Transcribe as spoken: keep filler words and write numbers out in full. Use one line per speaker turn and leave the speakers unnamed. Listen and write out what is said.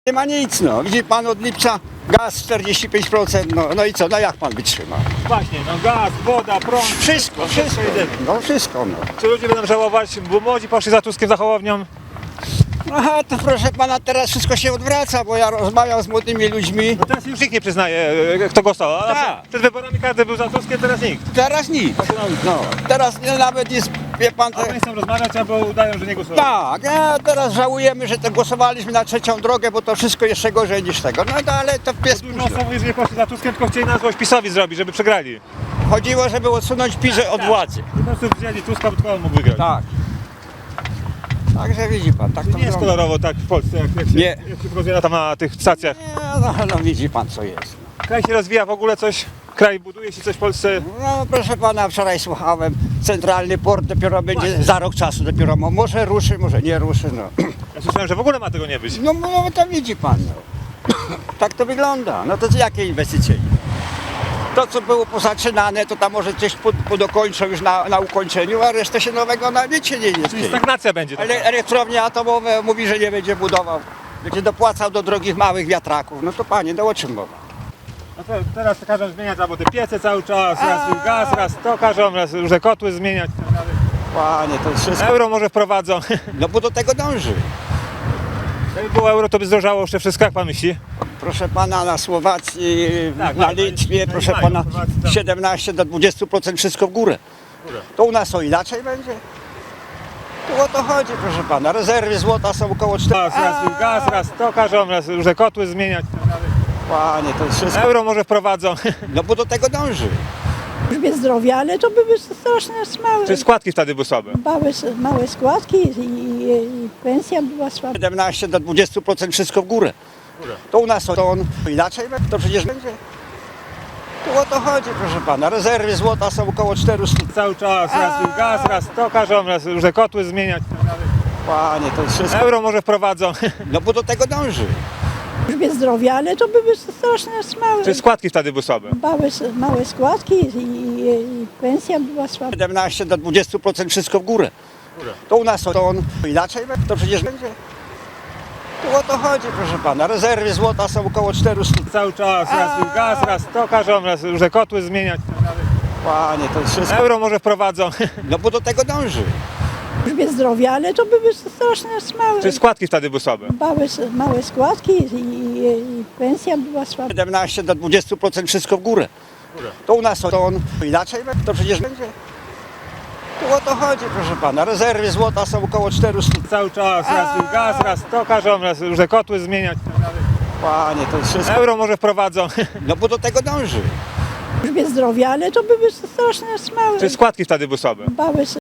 Nie ma nic, no. Widzi pan od lipca gaz czterdzieści pięć procent, no, no i co, no jak pan wytrzyma?
Właśnie, no gaz, woda, prąd.
Wszystko, wszystko, no wszystko, no.
Czy ludzie będą żałować, bo młodzi poszli za Tuskiem, za Hołownią?
Aha, to proszę pana, teraz wszystko się odwraca, bo ja rozmawiam z młodymi ludźmi.
No teraz już nikt nie przyznaje, e, kto głosował. A
Tak.
przed wyborami każdy był za Tuskiem, teraz nikt.
Teraz nic, no. Teraz nie, nawet jest, wie pan,
A
te...
oni chcą rozmawiać, albo udają, że nie głosują.
Tak, a teraz żałujemy, że to głosowaliśmy na trzecią drogę, bo to wszystko jeszcze gorzej niż tego. No no, ale to pies
Dużo osób, jeżeli poszli za Tuskiem, tylko chcieli na złość PiS-owi zrobić, żeby przegrali.
chodziło, żeby odsunąć PiS od władzy.
Po prostu wzięli Tuska, bo tylko on mógł wygrać.
Tak. Także widzi pan, tak to
Nie jest
wygląda.
kolorowo tak w Polsce, jak, jak, się,
Nie.
jak się pokazuje tam na tych stacjach.
Nie, no, no widzi pan co jest.
Kraj się rozwija w ogóle coś, kraj buduje się coś w Polsce.
No proszę pana, wczoraj słuchałem, centralny port dopiero będzie za rok czasu dopiero, mo- może ruszy, może nie ruszy, no.
Ja słyszałem, że w ogóle ma tego nie być.
No, no to widzi pan, no. Tak to wygląda, no to jakie inwestycje? To co było pozaczynane, to tam może coś pod, podokończą już na, na ukończeniu, a resztę się nowego na wiecie nie jest.
Czyli stagnacja będzie. taka.
Ale elektrownie atomowe mówi, że nie będzie budował, będzie dopłacał do drogich małych wiatraków, no to panie, no o czym mowa?
No to teraz każą zmieniać albo te piece cały czas, raz gaz, raz to każą, raz różne kotły zmieniać. i tak dalej.
Panie, to jest wszystko,
Euro może wprowadzą.
no bo do tego dąży.
Jakby było euro, to by zdrożało jeszcze wszystko, jak pan myśli?
Proszę pana, na Słowacji,
Tak,
na
tak,
Litwie,
no i
proszę
mają,
pana,
Słowacy tam-
siedemnaście do dwudziestu procent wszystko w górę. To u nas to inaczej będzie? Tu o to chodzi, proszę pana. Rezerwy złota są około
Raz,
czterech.
raz gaz, raz to każą, raz różne kotły zmieniać. i tak dalej.
Panie, to jest wszystko,
Euro może wprowadzą.
no bo do tego dąży.
Służbie zdrowia, ale to były strasznie małe,
Czy składki wtedy były słabe?
małe, małe składki i, i, i pensja była słaba.
siedemnaście do dwudziestu procent wszystko w górę. To u nas to on inaczej będzie? To przecież będzie. Tu o to chodzi, proszę pana. Rezerwy złota są około czterystu.
Cały czas, raz gaz, raz to każą, raz różne kotły zmieniać. i tak dalej.
Panie, to jest wszystko,
Euro może wprowadzą.
no bo do tego dąży.
Służbie zdrowia, ale to były strasznie małe,
Czy składki wtedy były słabe?
małe, małe składki i, i, i pensja była słaba.
siedemnaście do dwudziestu procent wszystko w górę. To u nas to on inaczej będzie? To przecież będzie. Tu o to chodzi, proszę pana. Rezerwy złota są około czterystu.
Cały czas, raz gaz, raz to każą, raz różne kotły zmieniać. i tak dalej.
Panie, to jest wszystko,
Euro może wprowadzą.
no bo do tego dąży.
Służbie zdrowia, ale to były strasznie małe,
Czy składki wtedy były słabe?
małe, małe składki i, i, i pensja była słaba.
siedemnaście do dwudziestu procent wszystko w górę. To u nas to on inaczej będzie? To przecież będzie. Tu o to chodzi, proszę pana. Rezerwy złota są około czterystu.
Cały czas, raz gaz, raz to każą, raz różne kotły zmieniać. i tak dalej.
Panie, to jest wszystko,
Euro może wprowadzą.
no bo do tego dąży.
Służbie zdrowia, ale to były strasznie małe,
Czy składki wtedy były słabe?
małe,